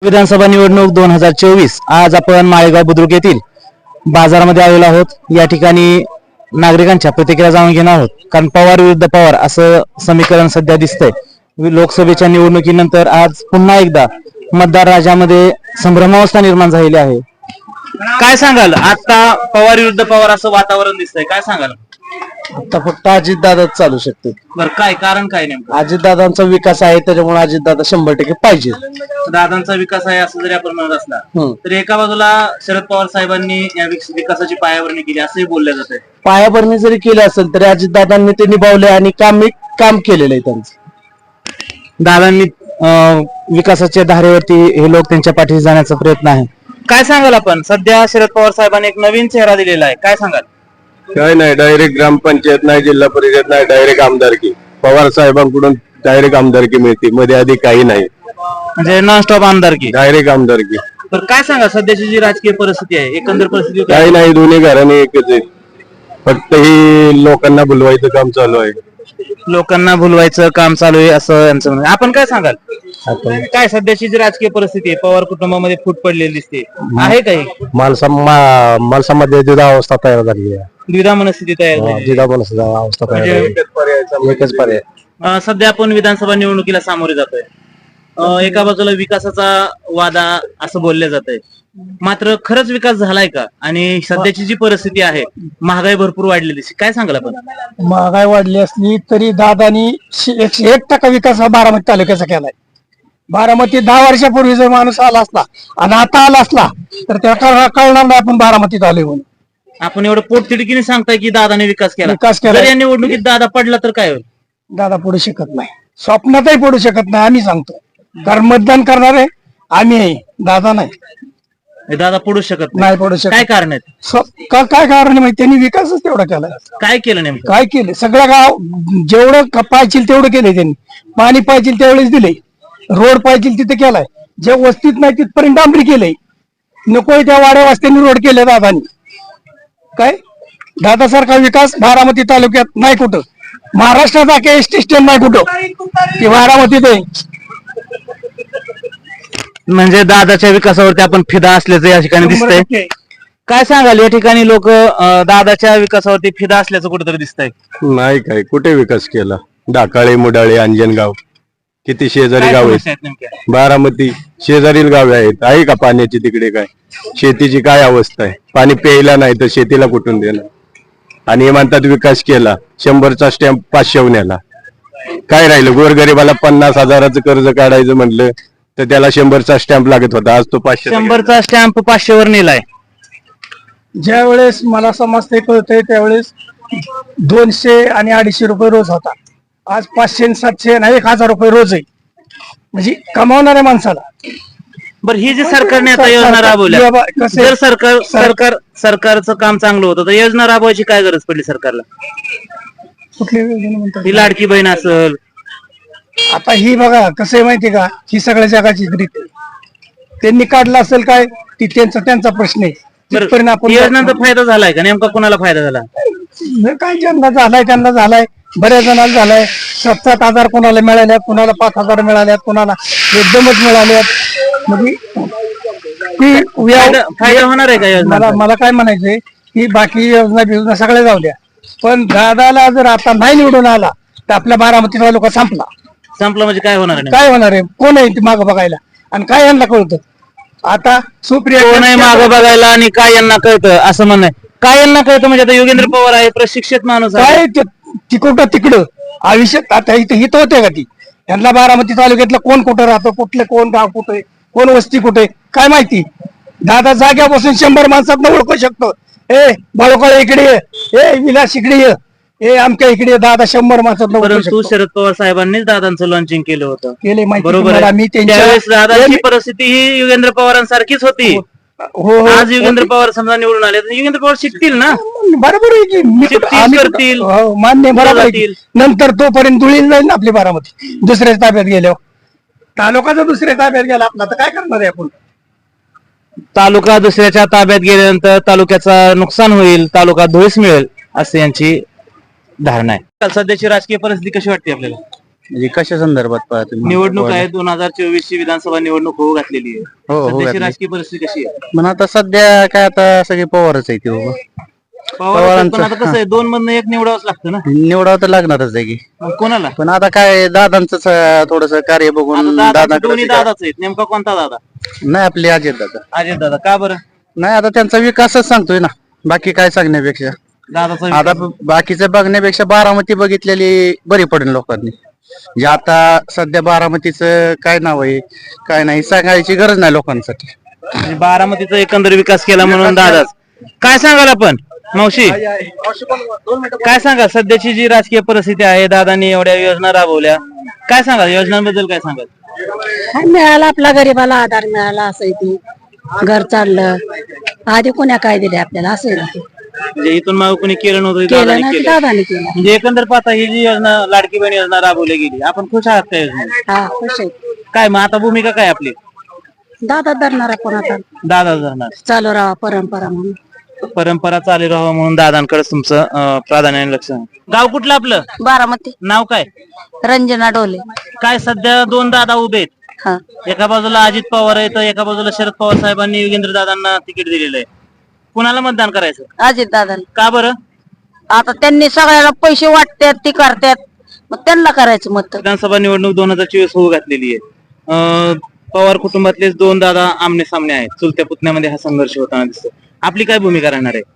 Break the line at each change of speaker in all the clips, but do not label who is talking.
विधानसभा निवडणूक 2024 आज आपण माळेगाव बुद्रुक येथील बाजारामध्ये आलेलो आहोत। या ठिकाणी नागरिकांच्या प्रतिक्रिया जाणून घेणार आहोत, कारण पवार विरुद्ध पवार असं समीकरण सध्या दिसतंय। लोकसभेच्या निवडणुकीनंतर आज पुन्हा एकदा मतदार राजामध्ये संभ्रमावस्था निर्माण झालेली आहे। काय सांगाल, आता पवार विरुद्ध पवार असं वातावरण दिसतंय, काय सांगाल?
आता फक्त अजितदादाच चालू शकते।
बरं, काय कारण काय नेमकं?
अजितदादांचा विकास आहे, त्याच्यामुळे अजितदादा 100% पाहिजे।
दादांचा विकास आहे असं जरी आपण म्हणत असला तरी एका बाजूला शरद पवार साहेबांनी या विकासाची पायाभरणी केली असंही बोललं जातंय।
पायाभरणी जरी केली असेल तरी अजितदादांनी ते निभावले आणि काम केलेलं आहे त्यांचं।
दादांनी विकासाच्या धारेवरती हे लोक त्यांच्या पाठीशी जाण्याचा प्रयत्न आहे। काय सांगाल आपण? सध्या शरद पवार साहेबांनी एक नवीन चेहरा दिलेला आहे, काय सांगाल?
काय नाही, डायरेक्ट ग्रामपंचायत नाही, जिल्हा परिषद नाही, डायरेक्ट आमदारकी। पवार साहेबांकडून डायरेक्ट आमदारकी मिळते, मध्ये आधी काही नाही,
म्हणजे नॉन स्टॉप आमदारकी,
डायरेक्ट आमदारकी।
तर काय सांगा, सध्याची जी राजकीय परिस्थिती आहे, एकंदर परिस्थिती
काही नाही, दोन्ही घराणे एकच आहे, फक्त ही लोकांना भुलवायचं काम चालू आहे।
लोकांना भुलवायचं काम चालू आहे असं यांचं म्हणणं आहे। आपण काय सांगाल, काय सध्याची जी राजकीय परिस्थिती आहे, पवार कुटुंबामध्ये फूट पडलेली दिसते, आहे काही
माणसामध्ये द्विधा अवस्था तयार झाली आहे।
द्विधा मनस्थिती तयार झाली?
द्विधा अवस्था तयार झाली, एकच पर्याय।
सध्या आपण विधानसभा निवडणुकीला सामोरे जातोय। एका बाजूला विकासाचा वादा असं बोलले जात आहे, मात्र खरंच विकास झालाय का? आणि सध्याची जी परिस्थिती आहे, महागाई भरपूर वाढलेली, काय सांगाल आपण?
महागाई वाढली असली तरी दादानी 101% विकास हा बारामती तालुक्याचा केलाय। बारामती 10 वर्षापूर्वी जर माणूस आला असला आणि आता आला असला तर त्याला कळणार नाही आपण बारामतीत आलोय म्हणून।
आपण एवढं पोटतिडकीने सांगताय की दादाने विकास केला,
केला।
जर या निवडणुकीत दादा पडला तर काय होईल?
दादा पडू शकत नाही, स्वप्नातही पडू शकत नाही, आम्ही सांगतो। कारण मतदान करणारे आम्ही आहे, दादा नाही।
दादा पडू शकत
नाही, पडू शकत।
काय कारण आहे?
काय कारण आहे माहिती? त्यांनी विकासच तेवढा केलाय।
काय केलं नेमकं?
काय केलं? सगळं गाव जेवढं पाहिजे तेवढं केलंय त्यांनी। पाणी पाहिजे त्यावेळेस दिले, रोड पाहिजे तिथे केलाय, जे वस्तीत नाही तिथपर्यंत डांबरी केलंय, नकोय त्या वाड्या वस्त्यांनी रोड केले दादांनी। काय दादासारखा विकास बारामती तालुक्यात नाही कुठं, महाराष्ट्रात एसटी स्टँड नाही कुठं, ती बारामतीत आहे।
म्हणजे दादाच्या विकासावरती आपण फिदा असल्याचं या ठिकाणी दिसतंय। काय सांगाल, या ठिकाणी लोक दादाच्या विकासावरती फिदा असल्याचं कुठेतरी दिसतंय?
नाही, काय कुठे विकास केला? डाकाळे, मुडाळे, अंजनगाव, किती शेजारी गाव आहेत, बारामती शेजारील गावे आहेत, आहे का पाण्याची तिकडे? काय शेतीची काय अवस्था आहे? पाणी प्यायला नाही तर शेतीला कुठून देणार? आणि हे म्हणतात विकास केला, 100चा स्टॅम्प 500 न्याला, काय राहिलं? गोरगरीबाला 50,000चं कर्ज काढायचं म्हटलं तर त्याला 100चा स्टॅम्प लागत होता, आज तो 500
100चा स्टॅम्प 500 वर नेलाय।
ज्या वेळेस मला समजते कळतंय त्यावेळेस 200 आणि 250 रुपये रोज होता, आज 500, 700 आणि 1000 रुपये रोज आहे, म्हणजे कमावणाऱ्या माणसाला।
बरं, ही जी सरकारने आता योजना राबवल्या, जर सरकारचं काम चांगलं होतं तर योजना राबवायची काय गरज पडली सरकारला?
कुठली योजना म्हणतात?
ही लाडकी बहीण असेल,
आता ही बघा कसं आहे माहिती का, ही सगळ्या जगाची रीत आहे। त्यांनी काढला असेल काय ती त्यांचा प्रश्न आहे।
योजनांचा फायदा झालाय का? नेमका कोणाला फायदा झाला?
काय ज्यांना झालाय त्यांना झालाय, बऱ्याच जणांना झालाय। 7,000 कोणाला मिळाल्यात, कोणाला 5,000 मिळाल्यात, कोणाला एकदमच मिळाल्यात। म्हणजे
फायदा होणार आहे का योजना?
मला काय म्हणायचंय की बाकी योजना सगळ्या जाऊ द्या, पण दादाला जर आता नाही निवडून आला तर आपल्या बारामती तालुका संपला
म्हणजे काय होणार आहे?
काय होणार आहे? कोण आहे ती मागं बघायला आणि काय यांना कळतं? आता सुप्रिया
कोण आहे मागं बघायला आणि काय यांना कळतं असं म्हणणं? काय यांना कळतं म्हणजे? आता योगेंद्र पवार आहे, प्रशिक्षित माणूस आहे,
काय तिकडं आयुष्यात आता इथं होते का ती? यांना बारामती तालुक्यातलं कोण कुठं राहतं, कुठले कोण गाव कुठे, कोण वस्ती कुठे, काय माहिती? दादा जाग्यापासून 100 माणसात ओळखू शकतो। ए बाळूकाळे इकडे ये, ए विलास इकडे ये, ए आमच्या इकडे दादा 100 माणसात ओळखू शकतो।
शरद पवार साहेबांनीच दादांचं लॉन्चिंग केलं होतं,
केले माहिती
बरोबर आहे?
मी
त्यावेळेस दादांची परिस्थिती ही योगेंद्र पवारांसारखीच होती।
हो,
आज योगेंद्र पवार समजा निवडून आले तर योगेंद्र पवार शिकतील ना,
बरोबर आहे की
करतील,
मान्य, बरोबर आहे। नंतर तोपर्यंत धुळील जाईल ना आपली बारामती, दुसऱ्या ताब्यात गेल्यावर। तालुका जर दुसऱ्या ताब्यात गेला आपला तर काय करणार आहे आपण?
तालुका दुसऱ्याच्या ताब्यात गेल्यानंतर तालुक्याचा नुकसान होईल, तालुका धुळीस मिळेल असं यांची धारणा आहे। सध्याची राजकीय परिस्थिती कशी वाटते आपल्याला?
म्हणजे कशा संदर्भात पाहतो
निवडणूक आहे 2024 ची विधानसभा निवडणूक होऊ घातलेली आहे.
हो
सध्याची राजकीय परिस्थिती कशी आहे?
पण आता सध्या काय आता सगळे पवारच आहे ते
पवार पण आता कसं आहे, दोन मधनं एक निवडावंच लागतं ना.
निवडावं तर लागणारच आहे की.
मग कोणाला?
पण आता काय दादांचं थोडस कार्य बघून
दादा दोन्ही दादाच आहेत, नेमका कोणता दादा?
नाही आपले अजित दादा.
अजित दादा. का बरं?
नाही आता त्यांचा विकासच सांगतोय ना, बाकी काय सांगण्यापेक्षा.
दादाचा
आता बाकीचं बघण्यापेक्षा बारामती बघितलेली बरी पडेल लोकांनी. जे आता सध्या बारामतीचं काय नाव आहे काय नाही सांगायची गरज नाही लोकांसाठी.
म्हणजे बारामतीचा एकंदर विकास केला म्हणून दादाच. काय सांगाल आपण मावशी, काय सांगाल सध्याची जी राजकीय परिस्थिती आहे, दादांनी एवढ्या योजना राबवल्या, काय सांगाल योजनांबद्दल? काय सांगाल?
मिळाला आपला गरीबाला आधार मिळाला, असं ती घर चाललं. आधी कोण्या काय दिले आपल्याला, असं आहे ना ते.
म्हणजे इथून माग कोणी केलं नव्हतं,
केलं
दादांनी
ना ते
केलं.
दादाने केलं.
म्हणजे एकंदर पाहता ही जी योजना लाडकी बहीण योजना राबवली गेली, आपण खुश आहात त्या योजनेत?
हा खुश आहे.
काय मग आता भूमिका काय आपली?
दादा धरणार आपण आता,
दादा धरणार.
चालू राहा परंपरा म्हणून.
परंपरा चालू राहावं म्हणून दादांकडे तुमचं प्राधान्याने लक्ष आहे. गाव कुठलं आपलं?
बारामती.
नाव काय?
रंजना डोले.
काय सध्या दोन दादा उभे आहेत.
हा
एका बाजूला अजित पवार आहे, तर एका बाजूला शरद पवार साहेबांनी योगेंद्र दादांना तिकीट दिलेलं आहे. कुणाला मतदान करायचं?
अजित दादा.
का बरं?
आता त्यांनी सगळ्याला पैसे वाटतात, ती करतात, मग त्यांना करायचं मत.
विधानसभा निवडणूक 2024 होऊ घातलेली आहे. पवार कुटुंबातलेच दोन दादा आमने सामने आहेत. चुलत्या पुतण्यामध्ये हा संघर्ष होताना दिसतो. आपली काय भूमिका राहणार आहे?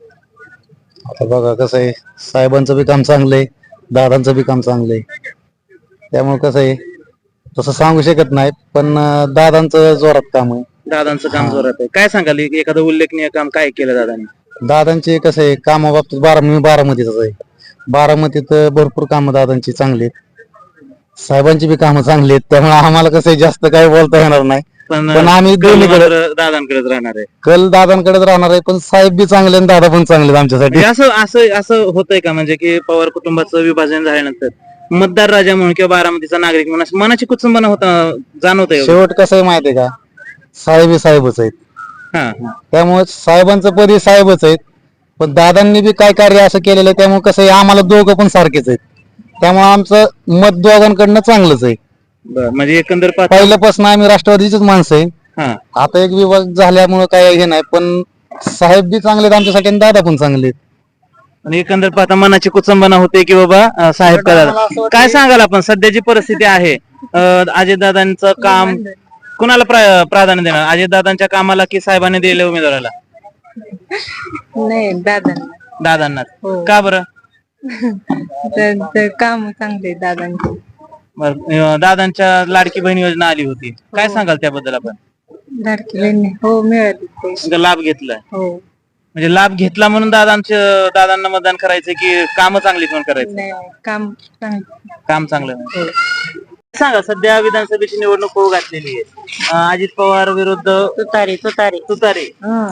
आता बघा कसं आहे, साहेबांचं बी काम चांगलं आहे, दादांचं बी काम चांगलं आहे. त्यामुळे कसं आहे, तसं सांगू शकत नाही, पण दादांचं जोरात काम आहे.
दादांचं काम जोरात आहे. काय सांगाल एखादं उल्लेखनीय काम काय केलं दादांनी?
दादांचे कसं आहे, कामाबाबतीत मी बारामतीतच आहे. बारामतीत भरपूर कामं दादांची चांगली आहेत, साहेबांची बी कामं चांगली आहेत. त्यामुळे आम्हाला कसं आहे, जास्त काही बोलता येणार नाही. पण आम्ही दोन्हीकडे
दादांकडेच राहणार आहे.
कल दादांकडेच राहणार आहे, पण साहेब बी चांगले आणि दादा पण चांगले आहेत आमच्यासाठी.
म्हणजे असं होतंय का, म्हणजे की पवार कुटुंबाचं विभाजन झाल्यानंतर मतदार राजा म्हणून किंवा बारामतीचा नागरिक म्हणून अशी मनाची कुचंबना होता जाणवत आहे?
शेवट कसं आहे माहितीये का, साहेब साहेबच आहेत. त्यामुळे साहेबांचं पदी साहेबच आहेत, पण दादांनी बी काय कार्य असं केलेलं आहे, त्यामुळे कसं आहे, आम्हाला दोघं पण सारखेच आहेत. त्यामुळे आमचं मत दोघांकडनं चांगलंच आहे.
म्हणजे एकंदर पाहता
पहिल्यापासून आम्ही राष्ट्रवादीचीच माणसं आहे.
हा.
आता एक विभाग झाल्यामुळे काय हे नाही, पण साहेब बी चांगले आहेत आमच्यासाठी आणि दादा पण चांगले आहेत.
आणि एकंदर पाहता मनाची कुचंबना होते की बाबा साहेब करा. काय सांगाल आपण सध्याची परिस्थिती आहे, अजितदादांचं काम कुणाला प्राधान्य देणार? अजितदादांच्या कामाला की साहेबांनी दिलेल्या उमेदवाराला?
नाही दादा.
दादांना. का बरं?
काम चांगले दादांचे.
दादांच्या लाडकी बहीण योजना आली होती, काय सांगाल त्याबद्दल आपण?
लाडकी बहीण हो मिळाली पैसे.
लाभ घेतलाय?
हो.
म्हणजे लाभ घेतला म्हणून दादांना मतदान करायचं की काम चांगली म्हणून करायचं?
नाही काम चांगलं.
काम चांगलं नाही. सांगा, सध्या विधानसभेची निवडणूक होऊ घातलेली आहे. अजित पवार विरुद्ध तुतारे.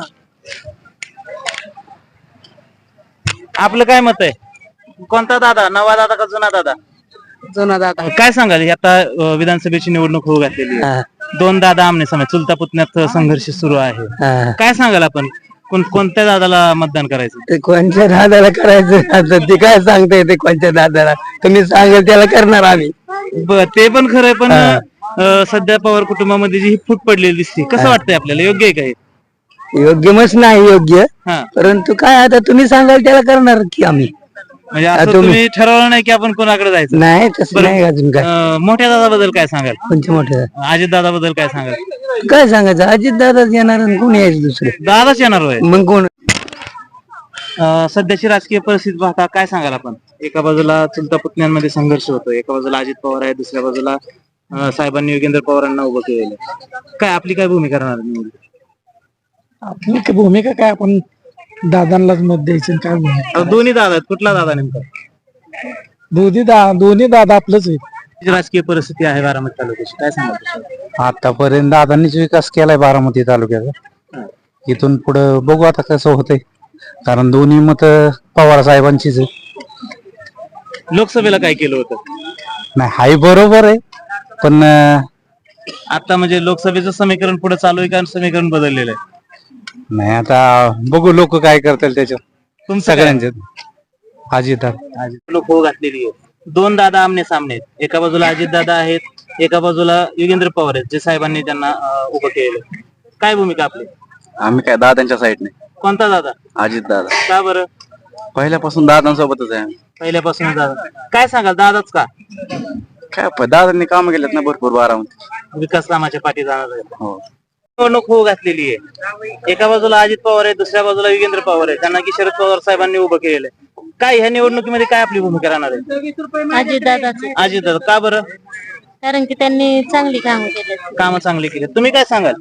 आपलं काय मत आहे? कोणता दादा, नवा दादा का जुना दादा?
जुना दादा.
काय सांगाल आता विधानसभेची निवडणूक होऊ घातलेली आहे, दोन दादा आमने सामने, चुलता पुतण्यात संघर्ष सुरू आहे. काय सांगाल आपण कोणत्या दादाला मतदान करायचं?
ते कोणत्या दादाला करायचं आता ते काय सांगता येते कोणत्या दादाला, तुम्ही सांगेल त्याला करणार आम्ही.
ते पण खरंय, पण सध्या पवार कुटुंबामध्ये जी ही फूट पडलेली दिसते, कसं वाटतंय आपल्याला? योग्य आहे काय?
योग्य मच नाही योग्य,
हा.
परंतु काय आता तुम्ही सांगाल त्याला करणार की आम्ही.
म्हणजे असं तुम्ही ठरवलं नाही की आपण कोणाकडे जायचं?
नाही तसं नाही अजून काय.
मोठ्या दादाबद्दल काय सांगाल?
कोणते मोठे
अजित दादाबद्दल काय सांगाल?
काय सांगायचं, अजित दादाच येणार आणि कोण यायचं दुसरे,
दादाच येणार होय.
मग कोण?
सध्याची राजकीय परिस्थिती पाहता काय सांगाल आपण? एका बाजूला चुलता पुतण्यांमध्ये संघर्ष होतो, एका बाजूला अजित पवार आहे, दुसऱ्या बाजूला साहेबांनी योगेंद्र पवारांना उभं केलेलं. काय आपली काय भूमिका राहणार?
आपली भूमिका काय, आपण दादांनाच मत द्यायचं. काय भूमिका,
दोन्ही दादा आहेत, कुठला दादा नेमका?
दोन्ही दादा आपलंच आहे.
राजकीय परिस्थिती आहे बारामती तालुक्याची, काय सांगाल?
आतापर्यंत दादांनीच विकास केलाय बारामती तालुक्याचा. इथून पुढे बघू आता कसं होतंय, कारण दोन्ही मत पवार साहेबांचीच आहे.
लोकसभेला काय केलं होतं?
नाही हाय बरोबर आहे, पण
आता म्हणजे लोकसभेचं समीकरण पुढे चालू आहे का समीकरण बदललेलं आहे?
नाही आता बघू लोक काय करतील त्याच्यात.
तुमचं
सगळ्यांचे अजित
लोक होऊ घातलेली आहे. दोन दादा आमने सामने आहेत. एका बाजूला अजित दादा आहेत, एका बाजूला योगेंद्र पवार आहेत, जे साहेबांनी त्यांना उभं केलेलं. काय भूमिका आपली?
आम्ही काय दादांच्या साईडने,
कोणता दादा?
अजित दादा.
का बरं?
पहिल्यापासून दादांसोबतच आहे आम्ही.
पहिल्यापासून दादा. काय सांगाल, दादाच का?
काय दादांनी काम केलेत ना भरपूर बारामती.
विकास कामाच्या पाठी जाणार आहे.
हो.
निवडणूक होऊ घातलेली आहे. एका बाजूला अजित पवार आहे, दुसऱ्या बाजूला योगेंद्र पवार आहे, त्यांना की शरद पवार साहेबांनी उभं केलेलं आहे. काय ह्या निवडणुकीमध्ये काय आपली भूमिका राहणार आहे?
अजित दादाचे,
अजित दादा. का बरं?
कारण की त्यांनी चांगली कामं केली.
कामं चांगली केली. तुम्ही काय सांगाल?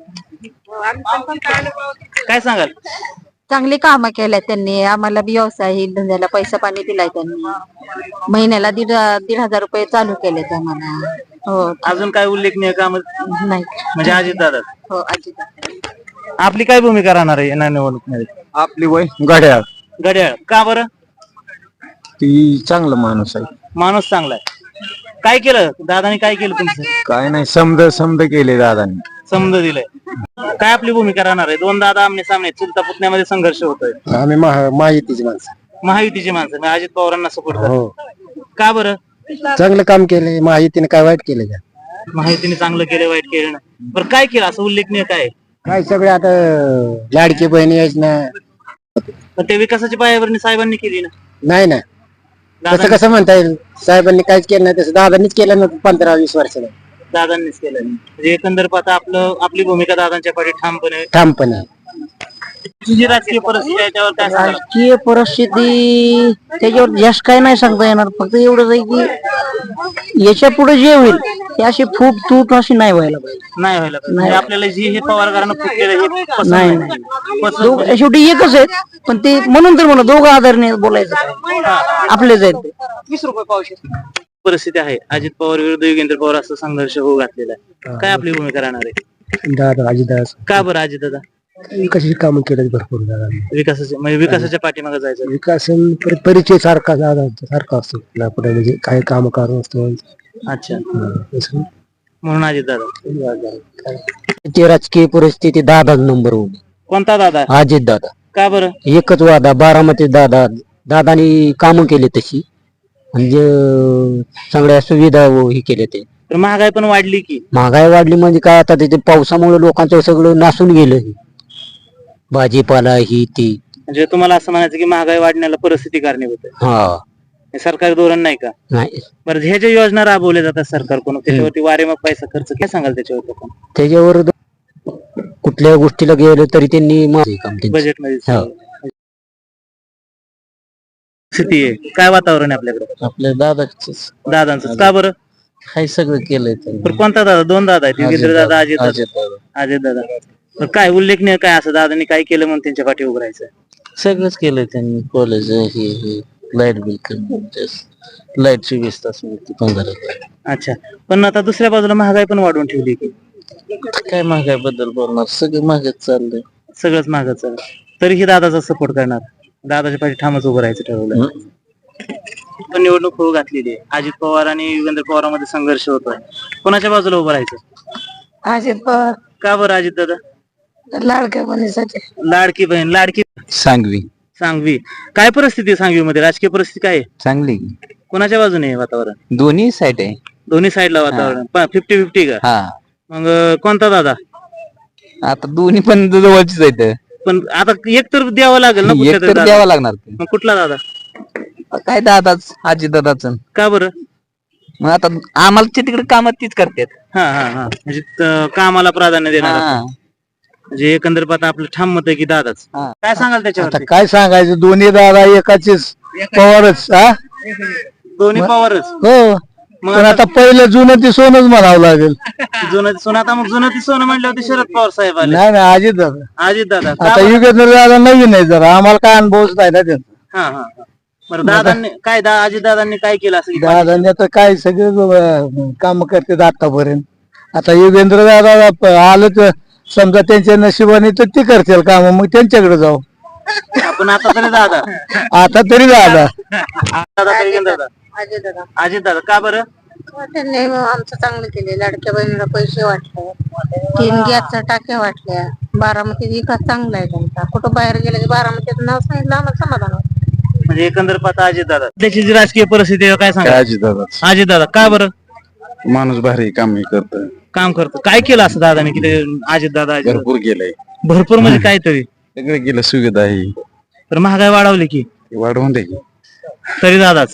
काय सांगाल?
चांगली कामं केल्यात त्यांनी. आम्हाला बी व्यवसाय धंद्याला पैसा पाणी दिलाय त्यांनी. महिन्याला 1,500 रुपये चालू केलेत आम्हाला. हो.
अजून काय उल्लेखनीय काम
नाही.
म्हणजे अजित दादा?
हो, अजित.
आपली काय भूमिका राहणार आहे या निवडणुकीमध्ये?
आपली वय घड्याळ
घड्याळ. का बरं?
ती चांगला माणूस आहे.
माणूस चांगला आहे. काय केलं दादानी? काय केलं तुमचं?
काय नाही, समज केले दादांनी.
समज दिलंय. काय आपली भूमिका राहणार आहे? दोन दादा आमने सामने, चुलता पुतण्यामध्ये संघर्ष होतोय.
आम्ही माहितीची माणसं.
महायुतीची माणसं म्हणजे अजित पवारांना सपोर्ट
हो.
करतात. का बरं?
चांगलं काम केले. माहितीने काय वाईट केलं का?
महायुतीने चांगलं केलं, वाईट केलं ना. बरं काय केलं असं उल्लेखनीय काय आहे?
काय सगळे आता लाडकी बहिणी योजना
पण ते विकासाची पायाभरणी साहेबांनी केली ना.
नाही ना, तसं कसं म्हणता येईल? साहेबांनी काहीच केलं नाही, तसं दादांनीच केलं ना 15-20 वर्षाला.
दादांनीच केलं. म्हणजे एकंदर पाहता आपली भूमिका दादांच्या पाठी ठामपणे.
ठामपणे.
जी राजकीय परिस्थिती आहे त्यावर काय सांगाल?
राजकीय परिस्थिती त्याच्यावर जास्त काय नाही सांगता येणार. फक्त एवढंच आहे की याच्या पुढे जे होईल ते अशी फूट तूट अशी नाही व्हायला पाहिजे.
नाही व्हायला पाहिजे. म्हणजे आपल्याला जी हे पवारकरांना खूप केलं हे पसंत
नाही
नाही.
नाही,
पसंत नाही.
शेवटी एकच आहेत, पण ते म्हणून तर म्हणा दोघं आधारने बोलायचं आपलेच आहेत ते.
20 रुपये पावशेर. परिस्थिती आहे, अजित पवार विरुद्ध योगेंद्र पवार असा संघर्ष होऊ घातलेला आहे. काय आपली भूमिका राहणार आहे?
दादा अजितदादा
का बरं अजित दादा?
विकासाची कामं केली भरपूर दादा.
विकासाचे म्हणजे विकासाच्या पाठीमागे जायचं.
विकासन परिचय सारखा सारखा असतो पुढे, म्हणजे काही काम करून असतो.
अच्छा, म्हणून अजित दादा.
ते राजकीय परिस्थिती दादा नंबर 1.
कोणता दादा?
अजित दादा.
का बरं?
एकच वादा बारामती दादानी कामं केली तशी, म्हणजे सगळ्या सुविधा हे केले. ते
तर महागाई पण वाढली की.
महागाई वाढली म्हणजे काय, आता तिथे पावसामुळे लोकांचं सगळं नासून गेलं. भाजीपाला ही ती.
म्हणजे तुम्हाला असं म्हणायचं की महागाई वाढण्याला परिस्थिती कारणीभूत आहे.
हा.
हे सरकारी धोरण नाही का?
नाही,
बरं, ह्या ज्या योजना राबवल्या जातात सरकारकडून त्याच्यावरती वारेमाप पैसा खर्च काय सांगाल त्याच्यावरती आपण?
त्याच्यावर कुठल्या गोष्टीला गेलं तरी त्यांनी
बजेटमध्ये
हो.
स्थिती आहे. काय वातावरण आहे आपल्याकडे?
आपल्या
दादांचं. का बरं?
काही सगळं केलंय
पण कोणता दादा? दोन दादा आहेत, योगेंद्र दादा, अजित दादा. अजित दादा. तर काय उल्लेखनीय काय असं दादांनी काय केलं म्हणून त्यांच्या पाठी उभं राहायचं?
सगळंच केलंय त्यांनी. कॉलेज हे लाईट बिल, लाईट 24 तास 15.
अच्छा, पण आता दुसऱ्या बाजूला महागाई पण वाढवून ठेवली की.
काय महागाई बद्दल बोलणार? सगळं महागच चाललंय.
सगळंच महागाचं. तरीही दादाचा सपोर्ट करणार, दादाच्या पाठी ठामच उभं राहायचं ठरवलं. पण निवडणूक होऊ घातलेली आहे. अजित पवार आणि योगेंद्र पवारांमध्ये संघर्ष होतोय. कोणाच्या बाजूला उभं राहायचं?
अजित पवार.
का बरं अजित दादा?
लाडक्या बहिणीसाठी.
लाडकी बहीण. लाडकी सांगवी. काय परिस्थिती आहे सांगवीमध्ये? राजकीय परिस्थिती काय आहे?
चांगली.
कोणाच्या बाजूने आहे वातावरण?
दोन्ही साईड आहे.
दोन्ही साईडला वातावरण. 50-50 का?
हा.
मग कोणता दादा?
आता दोन्ही पण जवळचीच आहेत.
पण आता एक तर द्यावं लागेल ना कुठल्या तरी दादा.
द्यावा लागणार.
मग कुठला दादा?
काय दादाच, अजित दादाच.
का बरं?
मग आता आम्हाला तिकडे कामात तीच करतात.
हा म्हणजे कामाला प्राधान्य देणार. म्हणजे एकंदर पाहता आपलं ठाम मत आहे की दादाच. काय सांगाल त्याच्यावर?
काय सांगायचं, दोन्ही दादा एकाचेच पवारच.
दोन्ही पवारच.
हो.
मग
पण आता पहिलं जुनं ती सोनच म्हणावं लागेल.
जुनं सोनं. आता मग जुनं ती सोनं म्हणल्यावरती शरद पवार साहेब आले.
नाही नाही, अजित दादा.
अजित दादा.
आता युगेंद्र दादा नवीन आहे जरा, आम्हाला काय अनुभवच नाही ना त्यांचा.
हा. बरं, दादांनी काय अजित दादांनी काय केलं असं?
दादांनी आता काय सगळे काम करतात आतापर्यंत. आता युगेंद्र दादा आलं तर समजा त्यांच्या नशिबाने तर ते करतील काम, मग त्यांच्याकडे जाऊ.
आपण आता तरी दादा.
आता तरी दादा.
दादा. अजित दादा. का बरं?
त्यांनी आमचं चांगलं केले. लाडक्या बहिणीला पैसे वाटले, 3 गॅसच्या टाक्या वाटल्या. बारामतीत विकास चांगला आहे त्यांचा. कुठं बाहेर गेलं की बारामतीत नाव सांगितलं आम्हाला समाधान होतं.
म्हणजे एकंदर पाहता अजित दादा त्याची जी राजकीय परिस्थिती आहे काय सांगा
दादा
अजित दादा का बरं
माणूस भारी काम करत
काम करतो काय केलं असं दादाने की अजित दादा
भरपूर गेलंय
भरपूर म्हणजे काहीतरी
सगळं गेलं सुविधा ही
तर महागाई वाढवली की
वाढवून दे
तरी दादाच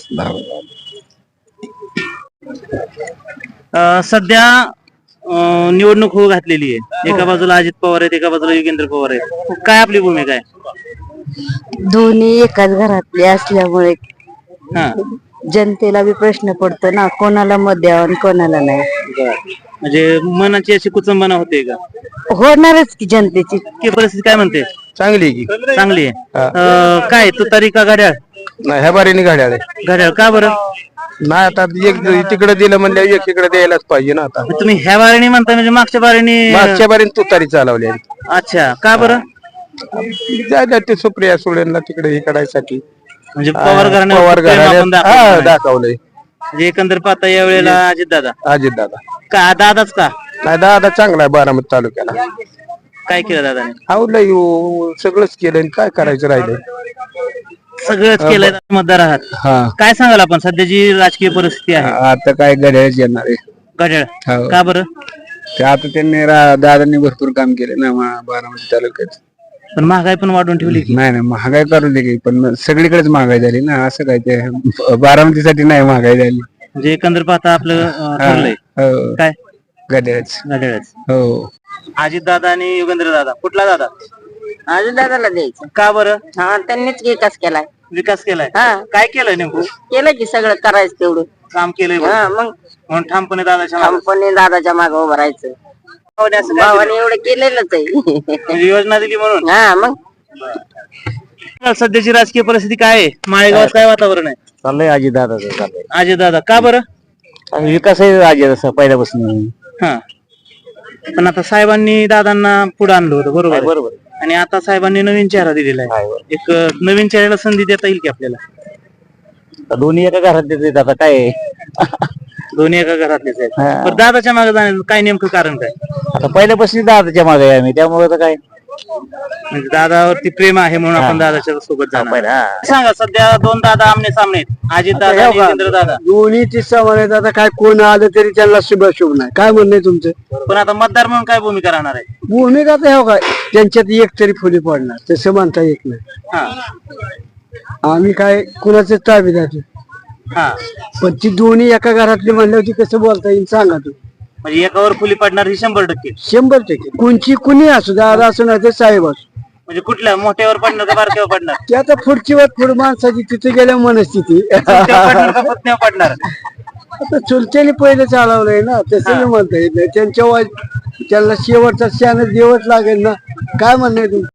सध्या निवडणूक होऊ घातलेली आहे एका बाजूला अजित पवार आहेत एका बाजूला योगेंद्र पवार आहेत काय आपली भूमिका आहे
दोन्ही एकाच घरातले असल्यामुळे
हा
जनतेला बी प्रश्न पडतो ना कोणाला मत द्यावं आणि कोणाला नाही
म्हणजे मनाची अशी कुचंबना होते का
होणारच की जनतेची
की परिस्थिती काय म्हणते
चांगली की
चांगली आहे काय तुतारी का घड्याळ
नाही ह्या बारीने गाड्या
घड्याळ का बरं
नाही आता एक तिकडे दिलं म्हणल्या एक इकडे द्यायलाच पाहिजे ना आता
तुम्ही ह्या बारीने म्हणता म्हणजे मागच्या बारीने
मागच्या बारीने तुतारी चालवली
अच्छा का बरं
जायला ते सुप्रिया सुळेंना तिकडे हे करायसाठी
म्हणजे पवार
पवार
घराण्यावर
दाखवलंय
म्हणजे एकंदर पाहता या वेळेला अजित दादा
अजित दादा
का दादाच का
नाही दादा चांगला आहे बारामती तालुक्याला
काय केलं दादाने
आवडलंय सगळंच केलंय काय करायचं राहिलंय
सगळंच केलंय मतदार आहात काय सांगाल आपण सध्याची राजकीय परिस्थिती आहे
आता काय गड्याच येणार आहे
घड्याळ का बरं
ते आता त्यांनी दादांनी भरपूर काम केले ना बारामती तालुक्यात
पण महागाई पण वाढवून ठेवली की
नाही महागाई करू दे की पण सगळीकडेच महागाई झाली ना असं काय ते बारामतीसाठी नाही महागाई झाली
म्हणजे एकंदर पाहता आपलं ठरलंय काय
गड्याच
घड्याळच
हो
अजित दादा आणि योगेंद्र दादा कुठला दादा
अजित दादाला द्यायचं
का बरं
हा त्यांनीच विकास केलाय
विकास केलाय
हा.
काय केलंय नेमकं
केलं की सगळं करायचं तेवढं
काम केलंय बरं.
हा मग
म्हणून ठामपणे दादाच्या मागं.
कंपनी दादाच्या मागे उभं राहायचं
भावाने असं काय
भावाने एवढं केलेलंच आहे
केलं? म्हणजे योजना दिली म्हणून
हा मग
सध्याची राजकीय परिस्थिती काय आहे माळेगावात काय वातावरण आहे
चाललंय अजित दादाचं चाललंय
अजय दादा का बरं
विकास आहे अजित असं पहिल्यापासून
हा पण आता साहेबांनी दादांना पुढे आणलं होतं बरोबर आहे?
बरोबर
आणि आता साहेबांनी नवीन चेहरा दिलेला आहे एक नवीन चेहऱ्याला संधी देता येईल की आपल्याला
दोन्ही एका घरात देतात आता काय
दोन्ही एका घरातलेच आहेत पण दादाच्या मागे जाण्याचं काय नेमकं कारण काय
आता पहिल्यापासून दादाच्या मागे आहे आम्ही त्यामुळे आता काय
म्हणजे दादावरती प्रेम आहे म्हणून आपण दादाच्या सोबत जाणार सांगा सध्या दोन दादा आमने सामने आहेत अजित दादा आणि योगेंद्र दादा
दोन्ही तिसरा म्हणायचं आता काय कोण आलं तरी त्यांना शुभ नाही काय म्हणणं आहे तुमचं
पण आता मतदार म्हणून काय भूमिका राहणार आहे
भूमिका तर काय त्यांच्यात एक तरी फुली पडणार तसं म्हणता येत नाही
हा
आम्ही काय कुणाचं ताबेदार
हा
पण ती दोन्ही एका घरातली म्हणल्यावरती कसं बोलता येईल सांगा तू
म्हणजे एकावर फुली पडणार ही 100%.
100% कोणची कुणी असू दादा असू नाही ते साहेब असू
म्हणजे कुठल्या मोठ्यावर पडणार का बारक्यावर पडणार
ते आता पुढची वाट पुढे माणसाची तिथे गेल्या मनस्थिती
चुलत्यावर पडणार का पत्नीवर पडणार
आता चुलत्याने पहिले चालवलंय ना तसं म्हणता येत नाही त्यांच्या त्यांना शेवटचा शान देवच लागेल ना काय म्हणणं आहे तुमचं